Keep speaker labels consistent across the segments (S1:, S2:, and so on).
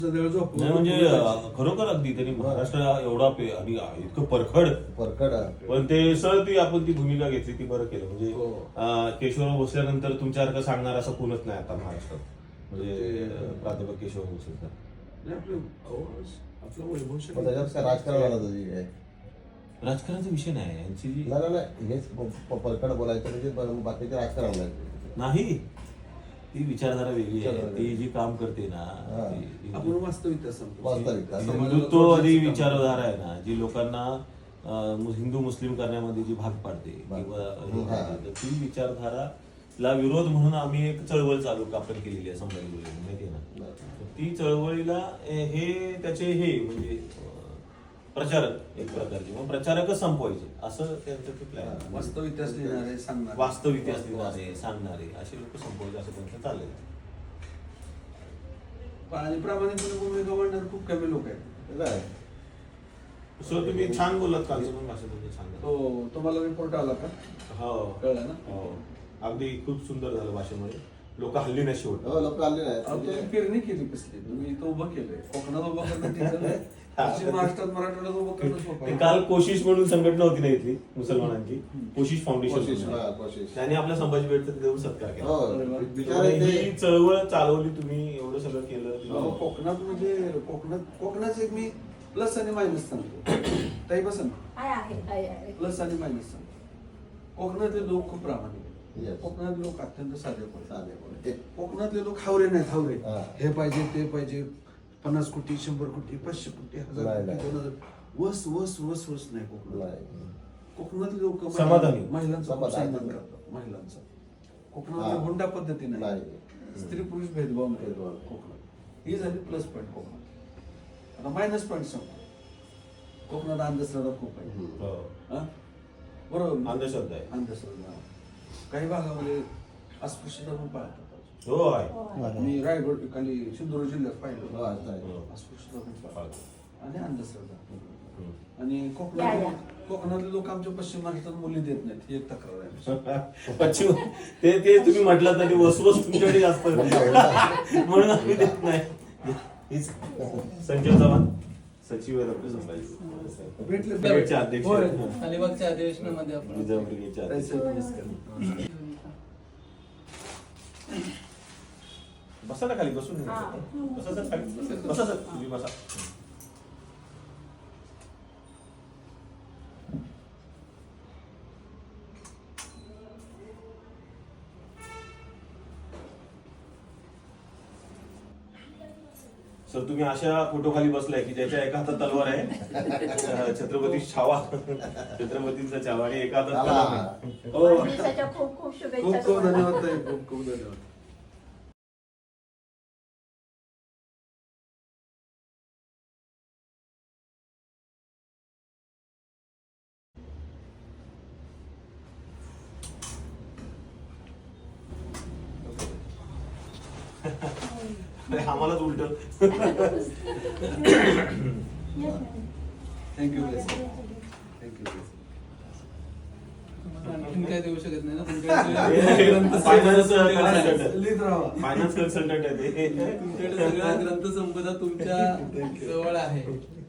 S1: नाही म्हणजे खरोखर अगदी त्यांनी महाराष्ट्र एवढा आणि इतकं परखड पण ते सर ती आपण ती भूमिका घेतली ती बरं केलं म्हणजे केशवराव भोसल्यानंतर तुमच्यासारखं सांगणार असं कोणच नाही आता महाराष्ट्रात म्हणजे प्राध्यापक केशवराव भोसले राजकारणाचा विषय नाही यांची जी
S2: हेच परखड बोलायचं म्हणजे बाकीचे राजकारण
S1: नाही ती विचारधारा वेगळी आहे ती जी काम करते ना
S3: आपण वास्तविकता
S1: हिंदुत्ववादी विचारधारा आहे ना जी लोकांना हिंदू मुस्लिम करण्यामध्ये जी भाग पाडते किंवा ती विचारधाराला विरोध म्हणून आम्ही एक चळवळ चालू आपण केलेली आहे संभाजी माहिती आहे ना ती चळवळीला हे त्याचे हे म्हणजे प्रचारक एक प्रकारचे मग प्रचारकच संपवायचे असं त्यांचं ते प्लॅन
S3: वास्तव इतिहास लिहिणारे सांगणार
S1: वास्तव इतिहास लिहिणारे सांगणारे असे लोक संपवायचे असं त्यांचं चाललंय
S3: आणि प्रामाणिकपणे भूमिका मांडणारे खूप कमी लोक आहेत.
S1: सर तुम्ही छान बोलत कालचं पण भाषण तुमचं छान
S3: तो तुम्हाला रिपोर्ट आला का?
S1: हो
S3: कळलं ना?
S1: हो अगदी खूप सुंदर झालं भाषेमुळे लोक हल्ली नाही शेवट
S2: लोक आले
S3: तुम्ही पेरणी केली कसली तुम्ही इथं उभं केलंय कोकणात उभं करणं ठीक आहे. महाराष्ट्रात मराठवाड्यात उभं करणं सोपं आहे.
S1: काल कोशिश म्हणून संघटना होती ना इथली मुसलमानांची कोशिश फाउंडेशन त्यांनी आपल्या संभाजी भेटचं देऊन सत्कार केला ही चळवळ चालवली तुम्ही एवढं सगळं केलं
S3: कोकणात म्हणजे कोकणाचं एक मी प्लस आणि मायनस सांगतो ताई बसा प्लस आणि मायनस सांगतो. कोकणातले लोक खूप प्रामाणिक आहेत. कोकणातले लोक अत्यंत साधे कोकणातले लोक हावरे नाहीत हावरे हे पाहिजे ते पाहिजे 50 कोटी 100 कोटी 500 कोटी 1000 कोटी 2000 वस वस वस वस नाही कोकणातले लोक
S1: समाधानी
S3: महिलांचा सन्मान करतात महिलांचा कोकणामध्ये हुंडा पद्धती नाही स्त्री पुरुष भेदभाव नाही कोकणात ही झाली प्लस पॉईंट कोकणात. आता मायनस पॉईंट सांगतो कोकणात अंधश्रद्धा खूप आहे बरोबर
S1: अंधश्रद्धा आहे
S3: अंधश्रद्धा काही भागामध्ये अस्पृश्यता पण पाळतात.
S1: हो आहे
S3: मी रायगड खाली सिंधुदुर्ग जिल्ह्यात पाहिलं अस्पृश्यता पण पाळतात आणि अंधश्रद्धा आणि कोकणातले लोक आमच्या पश्चिम महाराष्ट्रात मुली देत नाहीत ही एक तक्रार आहे.
S1: पश्चिम ते तुम्ही म्हटलं तर वसवस तुमच्याकडे जास्त म्हणून आम्ही देत नाही. संजय चव्हाण सचिव आहेत आपले संभाजी अध्यक्ष
S4: अलिबागच्या अधिवेशनामध्ये आपण
S1: रिझर्व्ह ब्रिगेडचे अध्यक्ष. बसा ना खाली बसून बसा सर खाली बसा सर तुम्ही बसा. सर तुम्ही अशा फोटो खाली बसलाय की ज्याच्या एका हातात तलवार आहे छत्रपती छावा छत्रपतींचा छावा आणि एका हातात तलवार आहे.
S5: खूप खूप शुभेच्छा.
S3: खूप खूप धन्यवाद ताई खूप खूप धन्यवाद.
S1: आम्हालाच उलट
S3: थँक्यू थँक्यू.
S4: आणखीन काय देऊ शकत नाही ना
S1: फायनान्स कन्सल्टंट आहे ते
S4: तुमच्याकडे सगळा ग्रंथ संपदा तुमच्या जवळ आहे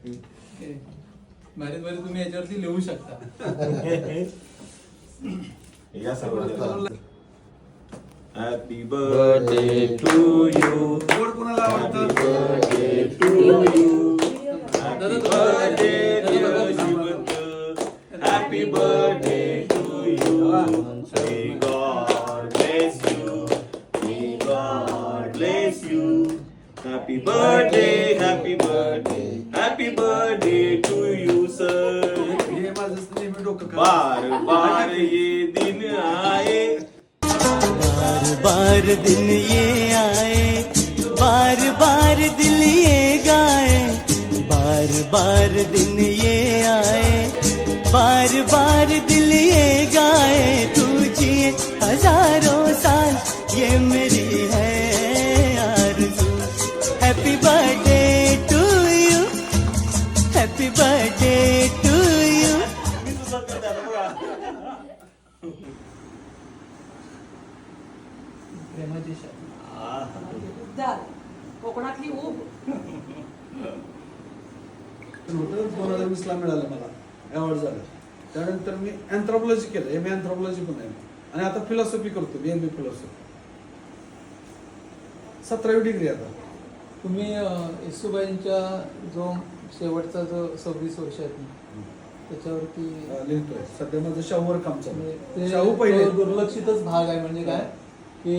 S4: भारी भारी तुम्ही याच्यावरती लिहू शकता.
S1: या सर्व हॅपी बर्थडे टू यू
S3: गोड कोणाला आवडतं
S1: birthday to you happy birthday happy birthday to you may God bless you may God bless you happy birthday happy birthday to you sir.
S3: हे माझं नेहमी डोकं
S1: बार बार ये दिन आए
S6: बार दिन ये आए बार बार दिल ये गाए बार दिन ये आए बार दिल ये गाए तू जिए हजारों साल ये मेरी है आरज़ू. Happy birthday to you happy birthday to you.
S4: प्रेमाची
S5: कोकणातली ऊब
S3: होतं 2020ला मिळालं मला अवॉर्ड झालं. त्यानंतर मी अँथ्रोपॉलॉजी केलं, एम ए अँथ्रोपॉलॉजी पण आहे आणि आता फिलॉसॉफी करतो, BA फिलॉसॉफी. 17वी डिग्री आता.
S4: तुम्ही येसूबाईंच्या जो शेवटचा जो 26 वर्ष आहेत ना, त्याच्यावरती
S3: लिहितोय सध्या. माझं शाहूवर काम चालू आहे.
S4: ते
S3: शाहू पहिले
S4: तो दुर्लक्षितच भाग आहे. म्हणजे काय की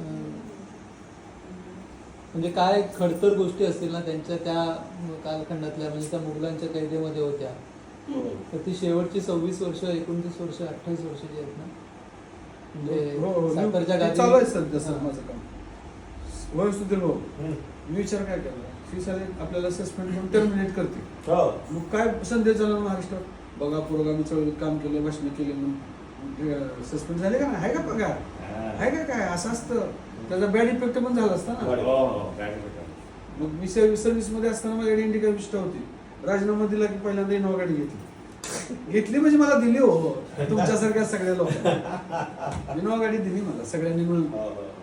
S4: म्हणजे काय खडतर गोष्टी असतील ना त्यांच्या त्या कालखंडातल्या, म्हणजे त्या मुघलांच्या कैदेमध्ये होत्या, तर ती शेवटची 26 वर्ष, 29 वर्ष, 28 वर्ष जी आहेत ना, म्हणजे साखरच्या
S3: ते
S4: गादी
S3: चालू आहे सध्या सर माझं काम. होय सुधीर भाऊ, मी विचार काय केला, फी साले आपल्याला सस्पेंड करून टर्मिनेट करते. मग काय संदेश झाला महाराष्ट्रात, बघा पुरोगामी चळवळीत काम केलं, भाषण केले म्हणून सस्पेंड झाले का नाही, आहे का पगार, आहे का काय, असं असतं. त्याचा बॅड इफेक्ट पण झाला असता ना. मग मी सर्व्हिस मध्ये असताना माझ्याकडे इंडिका विस्टा होती. राजीनामा दिला की पहिल्यांदा इनोवा गाडी घेतली म्हणजे मला दिली हो, तुमच्यासारख्या सगळ्या लोकांना इनोवा गाडी दिली मला सगळ्यांनी मिळून.